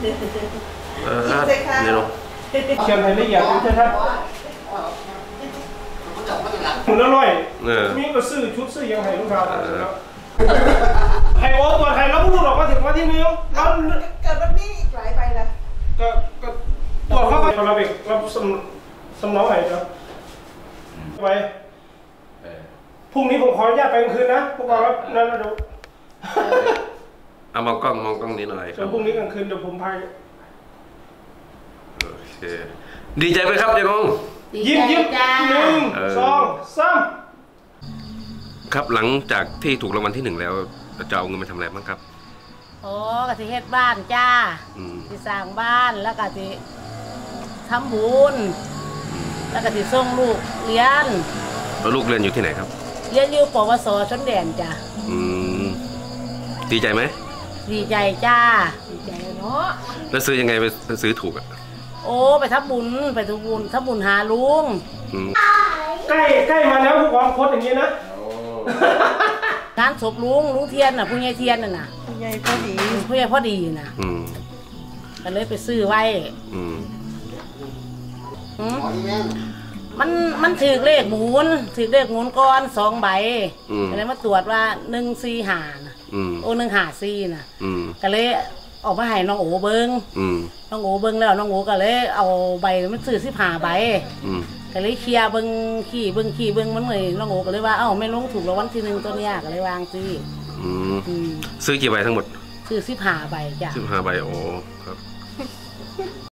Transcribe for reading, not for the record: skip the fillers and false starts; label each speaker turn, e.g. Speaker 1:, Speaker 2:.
Speaker 1: นี่เนาะ
Speaker 2: เชียงไทยละเอียดใช่ไหมหมุนละร้อยมีก็ซื้อชุดซื้อยังไงลูกค้าไฮโอตัวไทยแล้วพูดออกมาถึงวันที่นี้แล้ว
Speaker 3: เกิดวันนี้หลายไปแล้ว
Speaker 2: ก็ตัวเขาก็เราเองเราสมองไหนครับไปพรุ่งนี้ผมขออนุญาตไปกลางคืนนะพวกเราครับนั่นเราดู
Speaker 1: เอามองกล้องนี้หน่อยครับ
Speaker 2: พรุ่งนี้กลางคืนเดี๋ยวผมพาย
Speaker 1: โอเคดีใจไหมครับเจ๊งง
Speaker 2: ยิ้ม1 2 3
Speaker 1: ครับหลังจากที่ถูกรางวัลที่1แล้วจะเอาเงินไปทำอะไรบ้างครับ
Speaker 4: โอ้กะทิเฮ็ดบ้านจ้าที่สร้างบ้านแล้วก็ที่ทำบุญแล้วก็ที่ส่งลูกเรียน
Speaker 1: แล้วลูกเรียนอยู่ที่ไหนครับ
Speaker 4: เรียนอยู่ปวสชนแดนจ้า
Speaker 1: ดีใจไหม
Speaker 4: ดีใจจ้าดีใจเนาะ
Speaker 1: แล้วซื้อยังไงไปซื้อถูกอ่ะ
Speaker 4: โอ้ไปทำบุญทำบุญหาลุง
Speaker 2: ใกล้มาแล้วผู้กองโพสอย่างนี้นะ
Speaker 4: งานศพลุงเทียนน่ะผู้ใหญ่เทียนน่ะนะ
Speaker 3: ผู้ใหญ่พอ
Speaker 4: ดีนะก็เลยไปซื้อไว้มันถือเลขหมุนก้อน2 ใบก็เลยมาตรวจว่า145นะโอ้154นะก็เลยออกมาให้น้องโอเบิ้งน้องโอเบิ้งแล้วน้องโอก็เลยเอาใบมันซื้อ15 ใบก็เลยเคลียร์เบิ้งขี่เบิ้งมันเลยน้องโอก็เลยว่าเอ้าไม่ลงถูกรางวัลที่1ตัวเนี้ยก็เลยวางซื้อ
Speaker 1: ซื้อกี่ใบทั้งหมด
Speaker 4: ซื้อ15 ใบจ้ะ
Speaker 1: 15 ใบโอ้ครับ